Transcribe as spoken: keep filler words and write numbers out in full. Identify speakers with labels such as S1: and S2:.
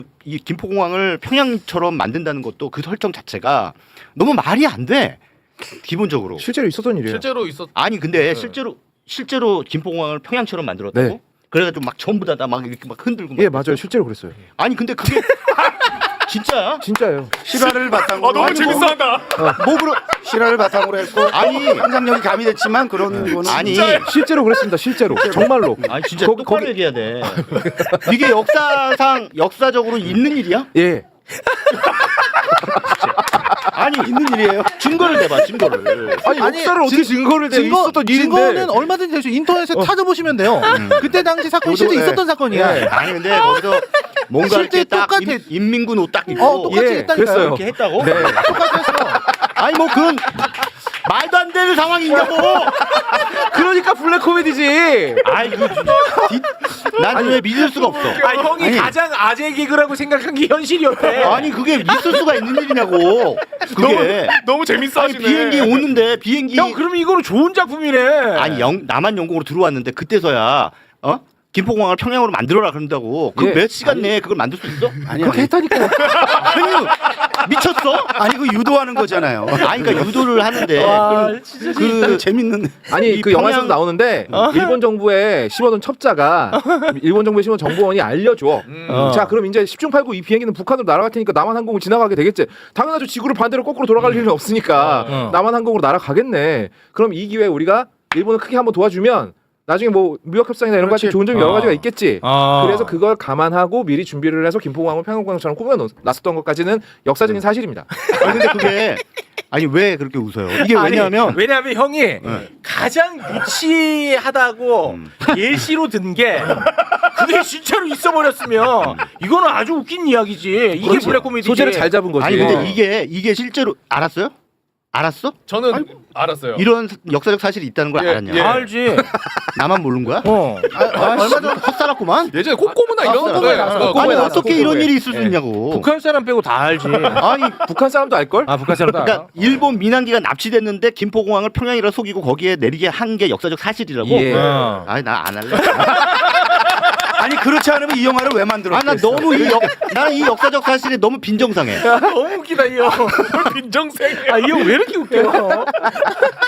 S1: 이 김포공항을 평양처럼 만든다는 것도 그 설정 자체가 너무 말이 안 돼. 기본적으로.
S2: 실제로 있었던 일이에요.
S3: 실제로 있었.
S1: 아니 근데
S3: 네.
S1: 실제로 실제로 김포공항을 평양처럼 만들었다고?
S2: 네.
S1: 그래가지고 막 전부 다 막 이렇게 막 흔들고. 막
S2: 예 맞아요. 실제로 그랬어요.
S1: 아니 근데 그게 진짜야?
S2: 진짜예요.
S4: 실화를 바탕으로
S3: 아 너무
S4: 아니, 뭐,
S3: 재밌어한다.
S1: 뭐 그런
S4: 실화를 바탕으로 했고
S1: 아니
S4: 상상력이 가미됐지만 그런 거는
S1: 아니
S2: 실제로 그랬습니다. 실제로 정말로.
S1: 아니 진짜
S2: 거기-
S1: 똑바로
S2: 거기-
S1: 얘기해야 돼. 이게 역사상 역사적으로 있는 일이야?
S2: 예.
S1: 아니 있는 일이에요. 증거를 대봐 증거를.
S2: 아니,
S5: 아니,
S2: 역사를 어떻게
S5: 증-
S2: 증거를 대
S5: 증거,
S2: 있었던 일인데.
S5: 증거는 얼마든지 될수 인터넷에 찾아보시면 돼요. 그때 당시 사건이 실제
S4: 저도,
S5: 있었던
S4: 예.
S5: 사건이야.
S2: 예.
S1: 아니 근데 거기서 뭔가
S5: 실제
S1: 이렇게 딱
S5: 똑같아.
S1: 인- 인민군 옷 딱 입고
S5: 어, 똑같이
S2: 예,
S5: 했다니까요.
S2: 그랬어요.
S1: 이렇게 했다고?
S2: 네.
S5: 똑같이 했어.
S1: 아니 뭐 그건 말도 안 되는 상황이냐고.
S2: 그러니까 블랙 코미디지.
S1: 아이 그난왜 믿을 수가 없어.
S6: 아 형이
S1: 아니.
S6: 가장 아재 개그라고 생각한 게 현실이었대.
S1: 아니 그게 있을 수가 있는 일이냐고. 그게
S3: 너무 재밌어
S1: 아니
S3: 하시네.
S1: 비행기 오는데 비행기
S6: 형 그러면 이거는 좋은 작품이네.
S1: 아니 영, 남한 영공으로 들어왔는데 그때서야 어? 김포공항을 평양으로 만들어라 그런다고. 그
S2: 예.
S1: 몇 시간 내에 그걸 만들 수 있어?
S4: 아니
S2: 그렇게
S4: 아니,
S2: 했다니까.
S1: 아니 미쳤어?
S4: 아니 그 유도하는 거잖아요.
S1: 아니 그러니까 유도를 하는데
S6: 와,
S1: 그,
S4: 그 재밌는
S2: 아니
S1: 이
S2: 그
S1: 평양-
S2: 영화에서도 나오는데 일본 정부에 심어둔 첩자가 일본 정부에 심어둔 정보원이 알려줘.
S6: 어.
S2: 자 그럼 이제 십중 팔구 이 비행기는 북한으로 날아갈 테니까 남한 항공을 지나가게 되겠지. 당연하죠. 지구를 반대로 거꾸로 돌아갈 일은 없으니까
S6: 어.
S2: 남한 항공으로 날아가겠네. 그럼 이 기회에 우리가 일본을 크게 한번 도와주면 나중에 뭐 무역 협상이나 이런 거 같은
S4: 그렇지.
S2: 좋은 점이 여러
S6: 어.
S2: 가지가 있겠지.
S6: 아.
S2: 그래서 그걸 감안하고 미리 준비를 해서 김포공항을 평양공항처럼 꾸며놨었던 것까지는 역사적인 사실입니다.
S1: 아니 근데 그게 아니 왜 그렇게 웃어요? 이게
S6: 아니,
S1: 왜냐하면
S6: 왜냐하면 형이 가장 유치하다고 예시로 든 게 그게 진짜로 있어버렸으면 이거는 아주 웃긴 이야기지. 이게
S2: 그렇지.
S6: 블랙 코미디지.
S2: 소재를 잘 잡은 거지.
S1: 아니 근데 이게 이게 실제로 알았어요? 알았어?
S3: 저는 알았어요.
S1: 이런 역사적 사실이 있다는 걸
S3: 예,
S1: 알았냐?
S3: 예.
S6: 알지.
S1: 나만 모르는 거야?
S6: 어.
S1: 아, 얼마 전 헛살았구만.
S3: 예전에 콧고무나 이런
S1: 아,
S3: 거.
S6: 콧고무에
S3: 예,
S6: 나왔어.
S3: 어,
S1: 아니
S2: 콧고무에 나왔어,
S1: 어떻게 이런
S2: 콧고무에.
S1: 일이 있을 수
S2: 예.
S1: 있냐고.
S6: 북한 사람 빼고 다 알지.
S1: 아니
S2: 북한 사람도 알 걸?
S6: 아 북한 사람도 알아.
S1: 그러니까 일본 민항기가 납치됐는데 김포공항을 평양이라 속이고 거기에 내리게 한 게 역사적 사실이라고.
S2: 예.
S6: 어.
S1: 아니 나 안 할래.
S4: 아니 그렇지 않으면 이 영화를 왜 만들었겠어?
S1: 아 나 너무 이 역, 나는 이 역사적 사실이 너무 빈정상해.
S6: 너무 웃기다 이 형.
S3: 빈정생.
S6: 아 이 형 왜 이렇게 웃겨?